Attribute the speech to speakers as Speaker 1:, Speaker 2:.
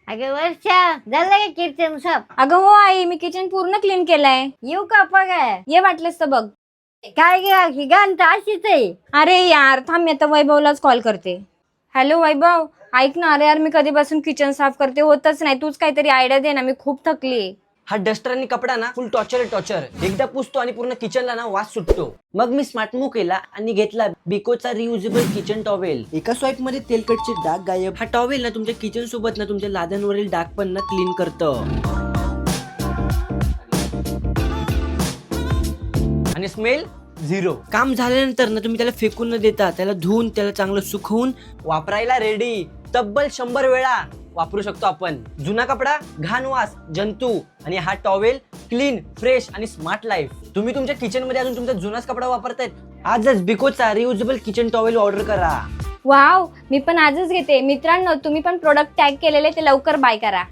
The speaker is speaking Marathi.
Speaker 1: अगं वर्षा झालं का किचन साफ?
Speaker 2: अगं हो आई, मी किचन पूर्ण क्लीन केलंय.
Speaker 1: येऊ का बघाय?
Speaker 2: ये वाटलंस तर बघ.
Speaker 1: काय ग ही गांठ अशीच आहे.
Speaker 2: अरे यार थांब, मी आता वैभवलाच कॉल करते. हॅलो वैभव, ऐक ना. अरे यार मी कधीपासून किचन साफ करते, होतच नाही. तूच काहीतरी आयडिया दे ना, मी खूप थकली.
Speaker 3: हा डस्टर आणि कपडा ना फुल टॉर्चर. एकदा पुसतो आणि पूर्ण किचनला ना वास सुटतो. मग मी स्मार्ट मूव्ह केला आणि घेतला बिकोचा रियुजेबल किचन टॉवेल. एका स्वाईप मध्ये तेलकटचे डाग गायब. हा टॉवेल ना तुमच्या किचन सोबत ना तुमच्या लाद्यांवरील डाग पण ना क्लीन करतं. आणि स्मेल झिरो. काम झाल्यानंतर ना तुम्ही त्याला फेकून न देता त्याला धुवून त्याला चांगलं सुकवून वापरायला रेडी. तब्बल 100 वेळा वापरू शकतो आपण. जुना कपडा, घाण वास, जंतू आणि हा टॉवेल क्लीन, फ्रेश आणि स्मार्ट लाईफ. तुम्ही तुमच्या किचन मध्ये अजून तुमचा जुनाच कपडा वापरतायत, आजच बिकोचा रियुजेबल किचन टॉवेल ऑर्डर करा.
Speaker 2: वाव, मी पण आजच घेते. मित्रांनो, तुम्ही पण प्रोडक्ट टॅग केलेले ते लवकर बाय करा.